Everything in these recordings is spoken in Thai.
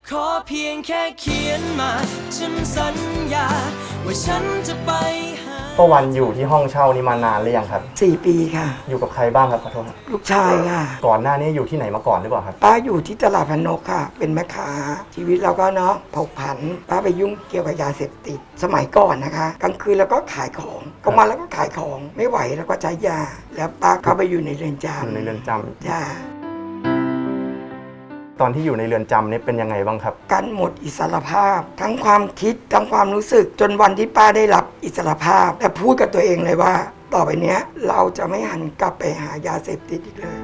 ขอเพียงแค่เขียนมาฉันสัญญาว่าฉันจะไปหาป้าวันอยู่ที่ห้องเช่านี้มานานหรือยังครับ 4 ปีค่ะอยู่กับใครบ้างครับขอโทษลูกชายค่ะก่อนหน้านี้อยู่ที่ไหนมาก่อนหรือเปล่าครับป้าอยู่ที่ตลาดพนกค่ะเป็นแม่ค้าชีวิตเราก็เนาะผกผันป้าไปยุ่งเกี่ยวกับยาเสพติดสมัยก่อนนะคะกลางคืนแล้วก็ขายของกลางวันแล้วก็ขายของไม่ไหวแล้วก็ใช้ยาแล้วป้าเข้าไปอยู่ในเรือนจำอยู่ในเรือนจำจ้าตอนที่อยู่ในเรือนจำนี่เป็นยังไงบ้างครับการหมดอิสรภาพทั้งความคิดทั้งความรู้สึกจนวันที่ป้าได้รับอิสรภาพแต่พูดกับตัวเองเลยว่าต่อไปเนี้ยเราจะไม่หันกลับไปหายาเสพติดอีกเลย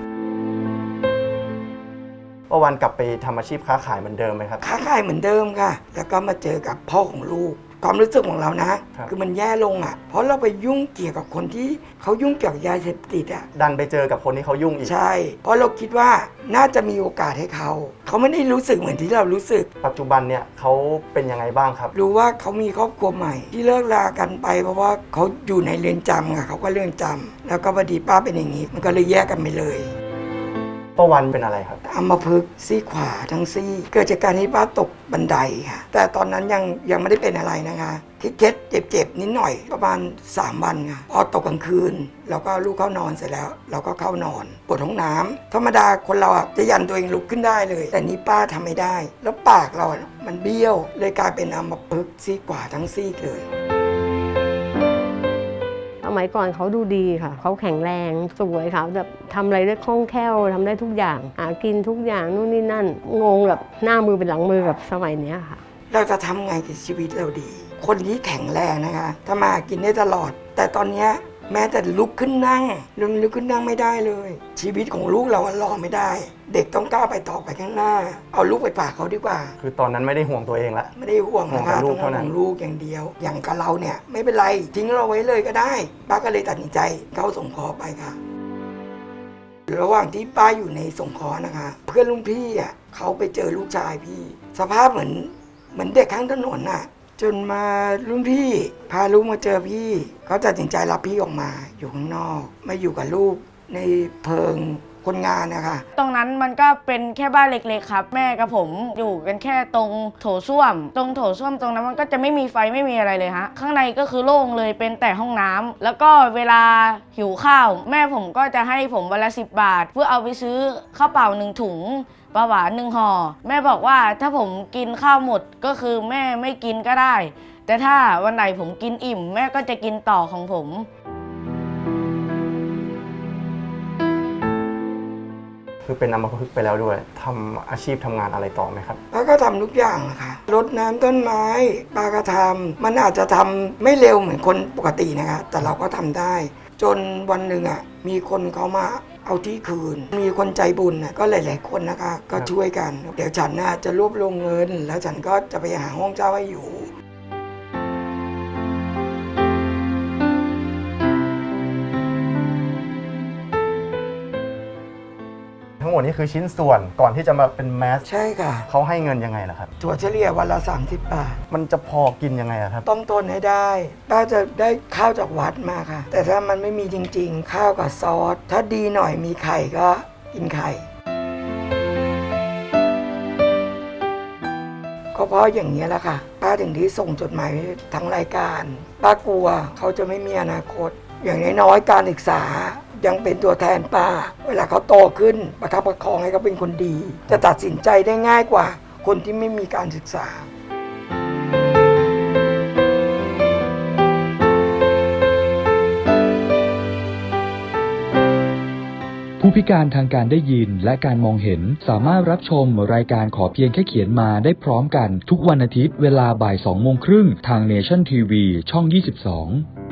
ป้าวันกลับไปทำอาชีพค้าขายเหมือนเดิมไหมครับค้าขายเหมือนเดิมค่ะแล้วก็มาเจอกับพ่อของลูกความรู้สึกของเรานะคือมันแย่ลงอ่ะเพราะเราไปยุ่งเกี่ยวกับคนที่เขายุ่งเกี่ยวกับยาเสพติดอ่ะดันไปเจอกับคนที่เขายุ่งอีกใช่เพราะเราคิดว่าน่าจะมีโอกาสให้เขาไม่ได้รู้สึกเหมือนที่เรารู้สึกปัจจุบันเนี่ยเขาเป็นยังไงบ้างครับรู้ว่าเขามีครอบครัวใหม่ที่เลิกลากันไปเพราะว่าเขาอยู่ในเรือนจำค่ะเขาก็เรือนจำแล้วก็พอดีป้าเป็นอย่างนี้มันก็เลยแยกกันไปเลยป้าวันเป็นอะไรครับอัมพฤกษ์ซี่ขวาทั้งซี่เกิดจากการที่ป้าตกบันไดค่ะแต่ตอนนั้นยังไม่ได้เป็นอะไรนะคะเคล็ดเจ็บนิดหน่อยประมาณ3 วันค่ะพอตกกลางคืนเราก็ลูกเข้านอนเสร็จแล้วเราก็เข้านอนปวดท้องน้ำธรรมดาคนเราจะยันตัวเองลุกขึ้นได้เลยแต่นี้ป้าทำไม่ได้แล้วปากเรามันเบี้ยวเลยกลายเป็นอัมพฤกษ์ซี่ขวาทั้งซี่เลยสมัยก่อนเขาดูดีค่ะเขาแข็งแรงสวยค่ะแบบทำอะไรได้คล่องแคล่วทำได้ทุกอย่างหากินทุกอย่างนู่นนี่นั่นงงแบบหน้ามือเป็นหลังมือกับสมัยนี้ค่ะเราจะทำไงกับชีวิตเราดีคนที่แข็งแรงนะคะถ้ามากินได้ตลอดแต่ตอนนี้แม้แต่ลุกขึ้นนั่งลุกขึ้นนั่งไม่ได้เลยชีวิตของลูกเรารอไม่ได้เด็กต้องก้าวไปต่อไปข้างหน้าเอาลูกไปฝากเขาดีกว่าคือตอนนั้นไม่ได้ห่วงตัวเองละไม่ได้ห่วงนะคะต้องห่วงลูกอย่างเดียวอย่างกับเราเนี่ยไม่เป็นไรทิ้งเราไว้เลยก็ได้ป้าก็เลยตัดสินใจเข้าสงเคราะห์ไปค่ะระหว่างที่ป้าอยู่ในสงเคราะห์นะคะเพื่อนรุ่นพี่อ่ะเขาไปเจอลูกชายพี่สภาพเหมือนเด็กข้างถนนน่ะจนมารุ่นพี่พาลูกมาเจอพี่เขาตัดสินใจรับพี่ออกมาอยู่ข้างนอกมาอยู่กับลูกในเพิงคนงานนะคะตรงนั้นมันก็เป็นแค่บ้านเล็กๆครับแม่กับผมอยู่กันแค่ตรงโถส้วมตรงนั้นมันก็จะไม่มีไฟไม่มีอะไรเลยฮะข้างในก็คือโล่งเลยเป็นแต่ห้องน้ำแล้วก็เวลาหิวข้าวแม่ผมก็จะให้ผมวันละ10 บาทเพื่อเอาไปซื้อข้าวเปล่า1 ถุงปลาหวาน1 ห่อแม่บอกว่าถ้าผมกินข้าวหมดก็คือแม่ไม่กินก็ได้แต่ถ้าวันไหนผมกินอิ่มแม่ก็จะกินต่อของผมคือเป็นอัมพฤกษ์ไปแล้วด้วยทำอาชีพทำงานอะไรต่อไหมครับป้าก็ทำทุกอย่างค่ะรดน้ำต้นไม้ป้าก็ทำมันอาจจะทำไม่เร็วเหมือนคนปกตินะคะแต่เราก็ทำได้จนวันหนึ่งมีคนเขามาเอาที่คืนมีคนใจบุญก็หลายๆคนนะคะก็ช่วยกันเดี๋ยวฉันจะรวบรวมเงินแล้วฉันก็จะไปหาห้องเช่าให้อยู่ทั้งหมดนี้คือชิ้นส่วนก่อนที่จะมาเป็นแมสใช่ค่ะเขาให้เงินยังไงล่ะครับถั่วเฉลี่ยวันละ30 บาทมันจะพอกินยังไงครับต้องต้นให้ได้ป้าจะได้ข้าวจากวัดมาค่ะแต่ถ้ามันไม่มีจริงๆข้าวกับซอสถ้าดีหน่อยมีไข่ก็กินไข่ก็เพราะอย่างนี้แหละค่ะป้าถึงที่ส่งจดหมายทั้งรายการป้ากลัวเขาจะไม่มีอนาคตอย่างน้อยๆการศึกษายังเป็นตัวแทนป้าเวลาเขาโตขึ้นประคับประคองให้เขาเป็นคนดีจะตัดสินใจได้ง่ายกว่าคนที่ไม่มีการศึกษาผู้พิการทางการได้ยินและการมองเห็นสามารถรับชมรายการขอเพียงแค่เขียนมาได้พร้อมกันทุกวันอาทิตย์เวลาบ่าย 2 โมงครึ่งทาง Nation TV ช่อง 22